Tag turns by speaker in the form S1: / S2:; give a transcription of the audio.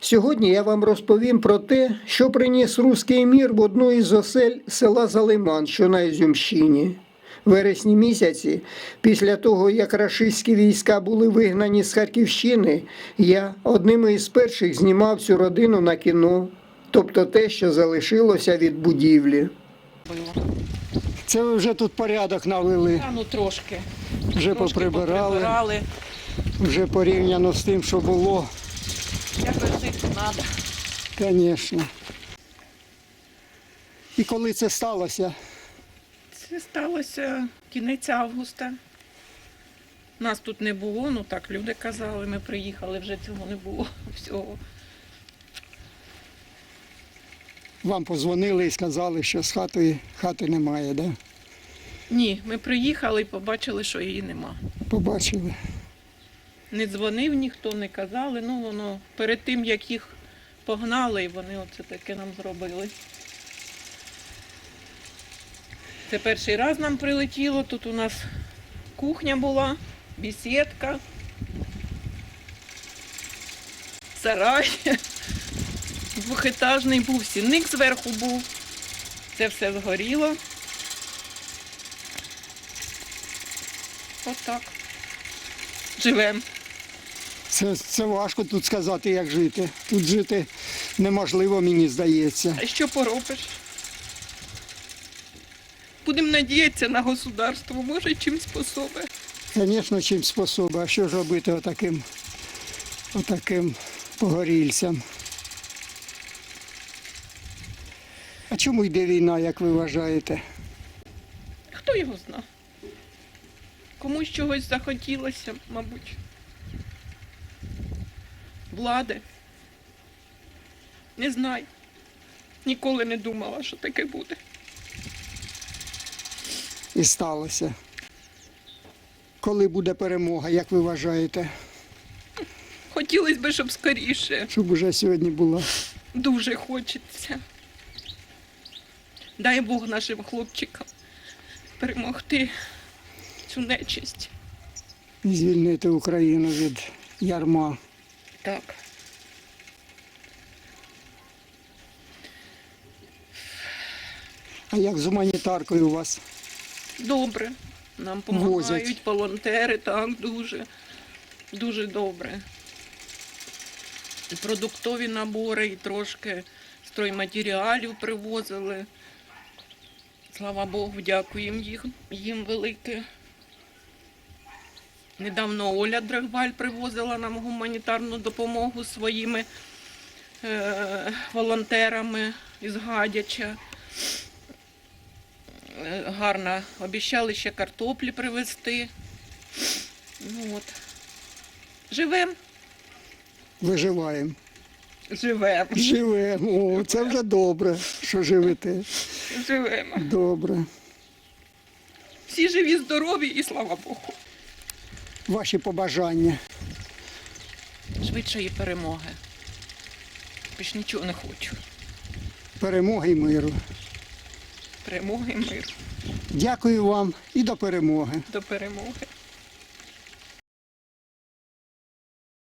S1: Сьогодні я вам розповім про те, що приніс руський мір в одну із осель села Залиман, що на Ізюмщині. В вересні місяці, після того, як рашистські війська були вигнані з Харківщини, я одним із перших знімав цю родину на кіно, тобто те, що залишилося від будівлі. Це ви вже тут порядок навели,
S2: Ну трошки.
S1: вже
S2: Трошки
S1: поприбирали, вже порівняно з тим, що було.
S2: Якось жити треба.
S1: Звісно. І коли це сталося?
S2: Це сталося кінець августа. Нас тут не було, ну так люди казали, ми приїхали, вже цього не було всього.
S1: Вам позвонили і сказали, що з хати немає, так? Да?
S2: Ні, ми приїхали і побачили, що її нема.
S1: Побачили.
S2: Не дзвонив ніхто, не казали, ну воно перед тим, як їх погнали, і вони оце таке нам зробили. Це перший раз нам прилетіло, тут у нас кухня була, бесідка, сарай, двохетажний був, сінник зверху був, це все згоріло. Отак. Живемо.
S1: Це важко тут сказати, як жити. Тут жити неможливо, мені здається.
S2: А що поробиш? Будемо надіятися на государство, може чим способе.
S1: Звісно, чим способи. А що ж робити отаким погорільцям? А чому йде війна, як ви вважаєте?
S2: Хто його зна? Комусь чогось захотілося, мабуть. Влади. Не знаю. Ніколи не думала, що таке буде.
S1: І сталося. Коли буде перемога, як ви вважаєте?
S2: Хотілося б, щоб скоріше.
S1: Щоб уже сьогодні була.
S2: Дуже хочеться. Дай Бог нашим хлопчикам перемогти цю нечисть.
S1: І звільнити Україну від ярма.
S2: Так.
S1: А як з гуманітаркою у вас?
S2: Добре. Нам
S1: Возять.
S2: допомагають волонтери, так, дуже. Дуже добре. І продуктові набори, і трошки стройматеріалів привозили. Слава Богу, дякуємо їм велике. Недавно Оля Драгваль привозила нам гуманітарну допомогу своїми волонтерами із Гадяча. Гарно. Обіцяли ще картоплі привезти. Ну, от. Живемо.
S1: Виживаємо.
S2: Живемо.
S1: Живемо. О, це вже добре, що живете.
S2: Живемо.
S1: Добре.
S2: Всі живі, здорові і слава Богу.
S1: Ваші побажання.
S2: Швидшої перемоги. Більш нічого не хочу.
S1: Перемоги і миру.
S2: Перемоги і миру.
S1: Дякую вам і до перемоги.
S2: До перемоги.